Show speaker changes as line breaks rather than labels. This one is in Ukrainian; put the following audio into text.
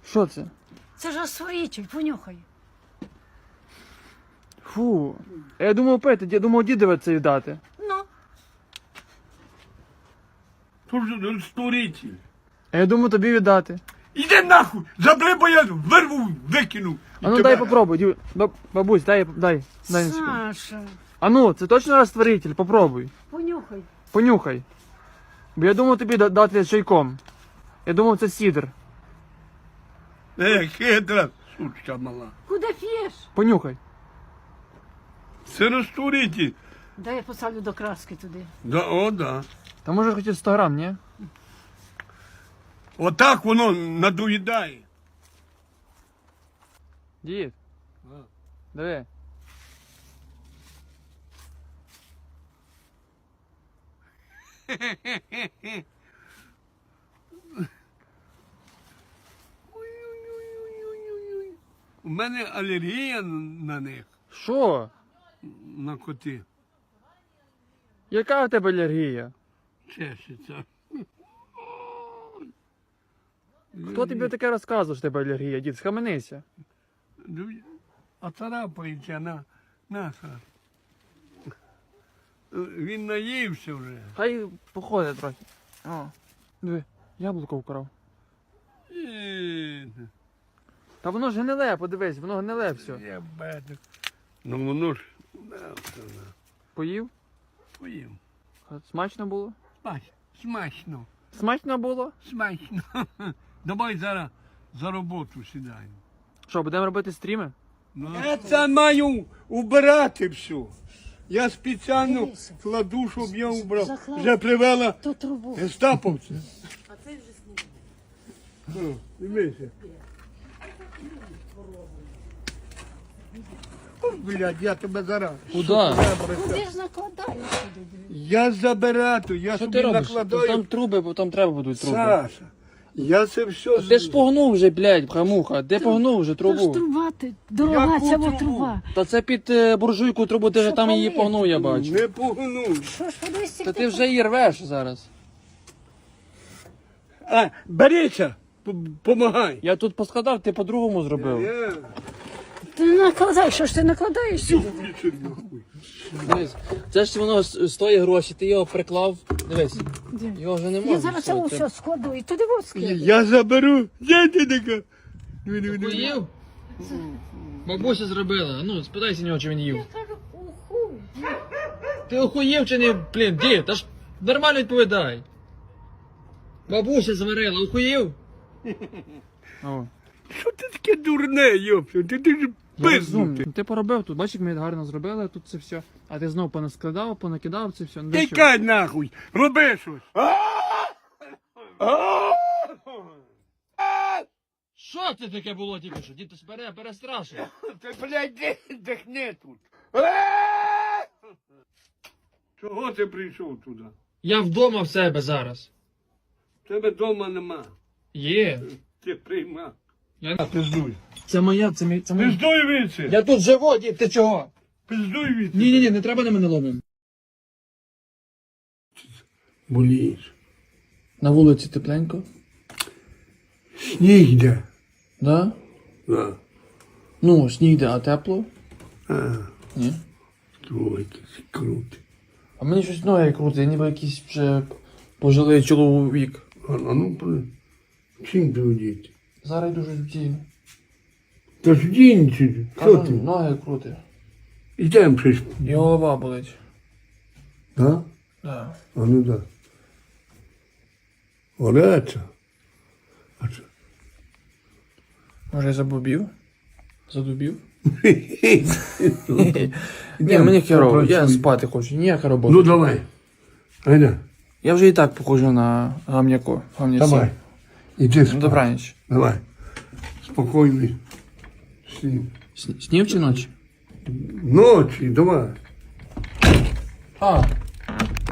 Що це?
Це ж розтворитель, понюхай.
Фу. Я думав пити, я думав дідове це віддати.
Ну,
Тут же розтворитель.
А я думав тобі віддати.
Іди нахуй! Забери, бо я вирву, викину.
А ну дай попробуй, бабусь, дай на секунду.
Саша,
А ну, це точно розтворитель, попробуй.
понюхай.
Понюхай. Бо я думав тобі дати чайком. Я думав це сідр.
Хитра, сучка мала.
Куди п'єш?
Понюхай.
Це розтворитель.
Дай я поставлю до краски туди.
Да, о, да.
Та може хотів 100 грам, ні?
Отак воно надоїдає.
Дід. Диви.
Ой-ой-ой-ой-ой-ой. У мене алергія на них,
Що?
на коти.
Яка у тебе алергія?
Чешеться.
Хто тобі таке розказував, що в тебе алергія, дід? Схаменися.
А царапається на наша. Він наївся вже.
Хай походить трохи. О, диви, яблуко вкрав. Та воно ж гниле, подивись, воно гниле все.
Я бачу. Ну воно ж
Поїв?
поїм.
Смачно було?
Смачно.
Смачно було?
Смачно. Давай зараз за роботу сідаємо.
Що, будемо робити стріми?
Я це маю убирати все. Я спеціально
Дивися.
кладу, щоб я убрав.
Заклав.
Вже привела
Ту трубу.
гестаповця. А це вже сніг. Дивися. О, блядь, я тебе зараз.
Куди?
Куди ж накладаєш сюди?
Я забираю, я
Що
собі
ти робиш?
накладаю.
Там труби, бо там треба будуть труби.
Саша, я це все...
Ти ж погнув вже, блядь, бхамуха. Де погнув вже
Та ж
трубу?
труба ти, дорога
Яку
ця
трубу?
труба.
Та це під буржуйку трубу, ти вже
Що
там її
палити?
погнув, я бачу.
Не погну.
Що ж подивись,
Та ти вже її рвеш зараз.
А, берися, помагай.
Я тут поскладав, ти по-другому зробив.
Я...
Ти не накладай, що ж ти накладаєш сюди?
Включи нахуй.
Дивись, це ж воно стоїть гроші, ти його приклав. Дивись,
Де?
його вже не можна.
Я зараз це все складу і туди вот складу.
Я заберу. Де ти така?
Поїв? Бабуся зробила. Ну, спитайся нього, чи він їв.
Я кажу, уху.
Ти охуєв чи не, блін, дід, та ж нормально відповідай. Бабуся зварила, охуєв? О,
Що ти таке дурне, йопсю? Ти ж пизнути.
Ти поробив тут, бачиш, як ми гарно зробили тут це все. А ти знов понаскладав, понакидав це все. Ну, для чого?
Тікай нахуй, роби щось.
Що це таке було тільки що? Дід, ти перестрашив.
Ти, блядь, дихни тут. Чого ти прийшов туди?
Я вдома в себе зараз.
Тебе вдома нема.
Є.
Ти прийма.
Я...
Пиздуй.
Це моя, це моя.
Пиздуй віці.
Я тут живу, дід, ти чого?
Пиздуй віці.
Ні, не треба на мене ломим.
Болієш.
На вулиці тепленько?
Сніг йде.
Да?
Да.
Ну, сніг йде, а тепло?
А,
Ні.
твой якийсь крутий.
А мені щось ноги крутить, я ніби якийсь вже пожилий чоловік.
А ну, чим ти одіти?
Зараз йду щось вдію.
Та ж дінці, що
Кажу,
ти?
ноги крутить.
Ідем щось.
І голова болить.
Да?
Да.
А ну да. Ореця. А що?
Може я забубів? Задубів? Ні, мені херово, я спати хочу, ніяка робота.
Ну давай. Айда.
Я вже і так похожу на гамняку.
Давай. Іди спати.
Добраніч.
Давай. Спокійний. Снів.
Снів чи ночі?
Ночі, давай.
А,